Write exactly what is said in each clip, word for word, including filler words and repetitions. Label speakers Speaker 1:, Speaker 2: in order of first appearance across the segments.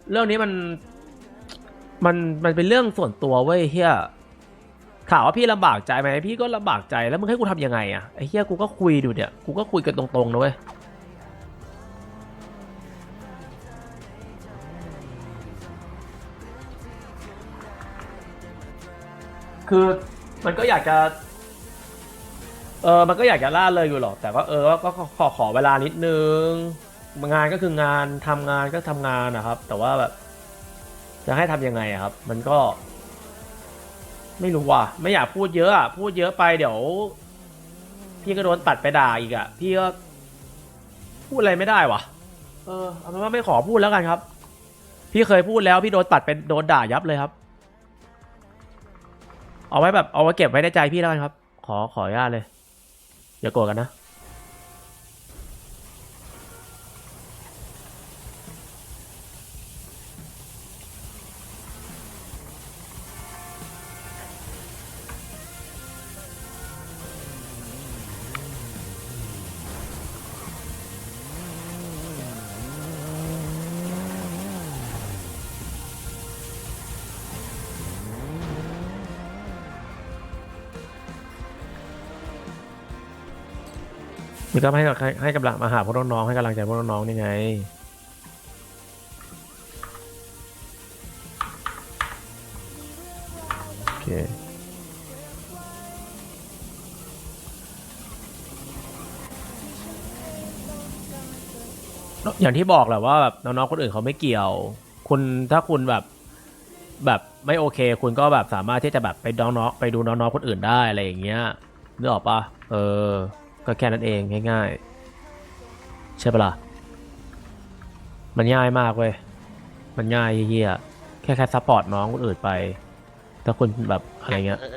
Speaker 1: เรื่องนี้มันมันมันเป็นเรื่องส่วนตัวเว้ยเฮียถามว่าพี่ลำบากใจไหมพี่ก็ลำบากใจแล้วมึงให้กูทำยังไงอะไอ้เฮียกูก็คุยดูเนี่ยกูก็คุยกันตรงๆนะเว้ยคือมันก็อยากจะเออมันก็อยากจะล่าเลยอยู่หรอกแต่ก็เออก็ขอขอเวลานิดนึงงานก็คืองานทำงานก็ทำงานนะครับแต่ว่าแบบจะให้ทำยังไงอะครับมันก็ไม่รู้ว่ะไม่อยากพูดเยอะอะพูดเยอะไปเดี๋ยวพี่ก็โดนตัดไปด่าอีกอะพี่ก็พูดอะไรไม่ได้วะเออเอาเป็นว่าไม่ขอพูดแล้วกันครับพี่เคยพูดแล้วพี่โดนตัดเป็นโดนด่ายับเลยครับเอาไว้แบบเอาไว้เก็บไว้ในใจพี่แล้วกันครับขอขออนุญาตเลยอย่าโกรธกันนะนี่ก็ให้ให้ให้กำลังมาหาพวกน้องๆให้กำลังใจพวกน้องๆนี่ไงโอเคอย่างที่บอกแหละว่าแบบน้องๆคนอื่นเขาไม่เกี่ยวคุณถ้าคุณแบบแบบไม่โอเคคุณก็แบบสามารถที่จะแบบไปน้องๆไปดูน้องๆคนอื่นได้อะไรอย่างเงี้ยนึกออกปะเออก็แค่นั้นเองง่ายๆใช่ปะล่ะมันง่ายมากเว้ยมันง่ายเยี่ยแค่แค่ซัพพอร์ตน้องคนอื่นไปถ้าคุณแบบอะไรเงี้ย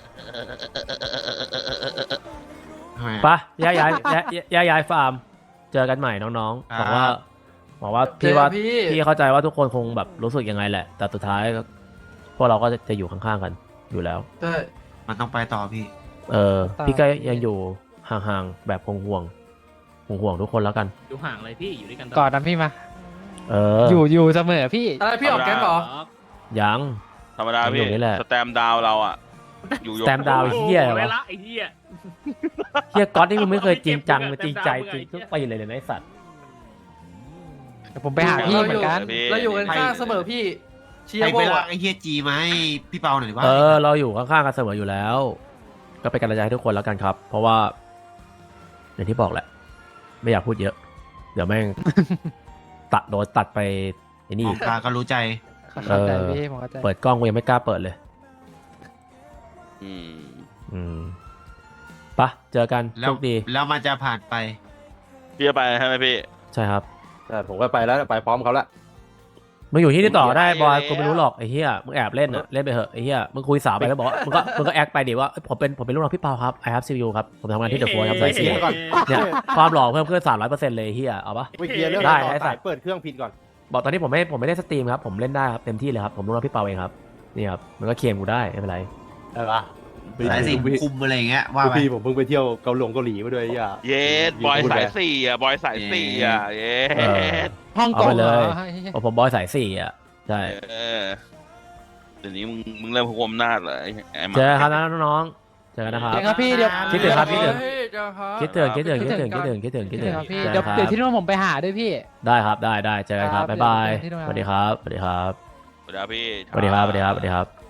Speaker 1: ปะย้ายย้ายย้ายย้ายย้ายฟาร์มเจอกันใหม่น้องๆบอกว่าบอกว่าพี่ว่าพี่เข้าใจว่าทุกคนคงแบบรู้สึกยังไงแหละแต่สุดท้ายพวกเราก็จะอยู่ข้างๆกันอยู่แล้ว
Speaker 2: ใช่
Speaker 3: มันต้องไปต่อพี่
Speaker 1: เออพี่ก็ยังอยู่ห่างๆแบบห่วงห่วงห่วงห่วงทุกคนแล้วกัน
Speaker 4: อยู่ห่างเลยพี่อยู่ด้วยกัน
Speaker 5: ก่อนนะพี่มา
Speaker 1: เออ
Speaker 5: อยู่อยู่เสมอพี่
Speaker 2: อะไรพี่ออกแก๊งเหรอ
Speaker 1: ยัง
Speaker 6: ธรรมดาพี่
Speaker 1: นี่แหละ
Speaker 6: สแตมดาวเราอ่ะอยู่ยก
Speaker 1: สแตมดาวเฮียอะไรวะ
Speaker 4: ไอ้เหี้ย
Speaker 1: เฮียก๊อตนี่มึงไม่เคยจริงจังจริงใจจริงทุกปีเลยเลยนะไอ้สัตว์
Speaker 5: เดี๋ยวผมไปหาพี่เหมือนกัน
Speaker 2: เราอยู่กันข้างเสมอพี่เชีย
Speaker 3: ไอ้
Speaker 2: ร์โบ
Speaker 3: เวลา
Speaker 2: อะ
Speaker 3: ไอ้เฮียจีมาให้พี่เปาหน่อยว่า
Speaker 1: เออเราอยู่ข้างๆกันเสมออยู่แล้ว ก็เป็นกำลังใจให้ทุกคนแล้วกันครับ เพราะว่าอย่างที่บอกแหละ ไม่อยากพูดเยอะ เดี๋ยวแม่ง ตัดโดนตัดไปไอ้นี่
Speaker 3: มองตาก็รู้ใจ
Speaker 5: เข้าใจพี่ผมเข้าใจ
Speaker 1: เปิดกล้องกูยังไม่กล้าเปิดเลย
Speaker 6: อืม
Speaker 1: อืมปะเจอกัน
Speaker 3: แล้
Speaker 1: โช
Speaker 3: ว
Speaker 1: คดี
Speaker 3: แล้วมันจะผ่านไป
Speaker 6: พี่จะไปใช่ไหมพี่
Speaker 1: ใช่ครับ
Speaker 7: แต่ผมก็ไปแล้วไปพร้อมเขาแล้ว
Speaker 1: มึงอยู่ที่นี่ต่อได้บอยกูไม่รู้หรอกไอ้เหี้ยมึงแอบเล่นอะเล่นไปเหอะไอ้เหี้ยมึงคุยสาวไปแล้วบอกว่ามึงก็มึงก็แอคไปดิว่าผมเป็นผมเป็นลูกน้องพี่เปาครับ I have C P U ครับผมทำงานที่เดอะโฟร์ครับสายเสีย
Speaker 7: ก่อน
Speaker 1: เนี่ยความหล่อเพิ่มขึ้นสามร้อยเปอร์เซ็นต์เลยเหี้ยเอาปะ
Speaker 7: ไปเคลียร์เรื่อง
Speaker 1: ได้
Speaker 7: ต่อ
Speaker 1: ได้สั
Speaker 7: สา
Speaker 1: ต
Speaker 7: ย
Speaker 1: ว์
Speaker 7: เปิดเครื่องผิดก่อน
Speaker 1: บอกตอนนี้ผมไม่ผมไม่ได้สตรีมครับผมเล่นได้ครับเต็มที่เลยครับผมลูกน้องพี่เปาเองครับนี่ครับมันก็เคลมกูได้ไม่เป็นไร
Speaker 7: ได้ปะ
Speaker 3: สายสินคุมอะไรอย่างเงี้ยว่าไป
Speaker 7: พี่ผมเพิ่งไปเที่ยวเกาหลงเกาหลีมาด้วยอ่ะ
Speaker 6: เยสบอยสายสี่อ่ะบอยสายสี่อ่ะเย
Speaker 1: เออ
Speaker 6: ส
Speaker 5: ห้องก
Speaker 1: เอา
Speaker 5: ง
Speaker 1: ไป
Speaker 5: เห
Speaker 1: เล
Speaker 5: ร
Speaker 1: ย
Speaker 5: อ
Speaker 1: โอ้ผมบอยสายสี่อ่ะใช่
Speaker 6: เออเดี๋ยวนี้มึงมึงเริ่มคุมหน้าจเลยไอ้หมา
Speaker 1: เจอกันครับนะน้องๆเจอกันนะครับ
Speaker 5: เดี๋ยวครับพี่เดี๋ยว
Speaker 1: คิดถึงครับคิดถึง
Speaker 2: เฮ้ยเจ้าครับ
Speaker 1: คิดถึงคิดถึงคิดถึงคิดถึงคิดถึงคิดถึง
Speaker 5: ครับพี่
Speaker 1: จอ
Speaker 5: เดี๋ยว
Speaker 1: กันครับ
Speaker 5: เดี๋ยวที่นู่นผมไปหาด้วยพี่
Speaker 1: ได้ครับได้ได้เจอกันครับ
Speaker 5: ครับ
Speaker 1: บ๊ายบาย
Speaker 5: เดี๋ยวที่นู่น
Speaker 1: สวัสดีครับสวัสดีครับ
Speaker 6: สวัสดีครับพี่
Speaker 1: สวัสดีครับสวัสดีครับสวัสดีครับ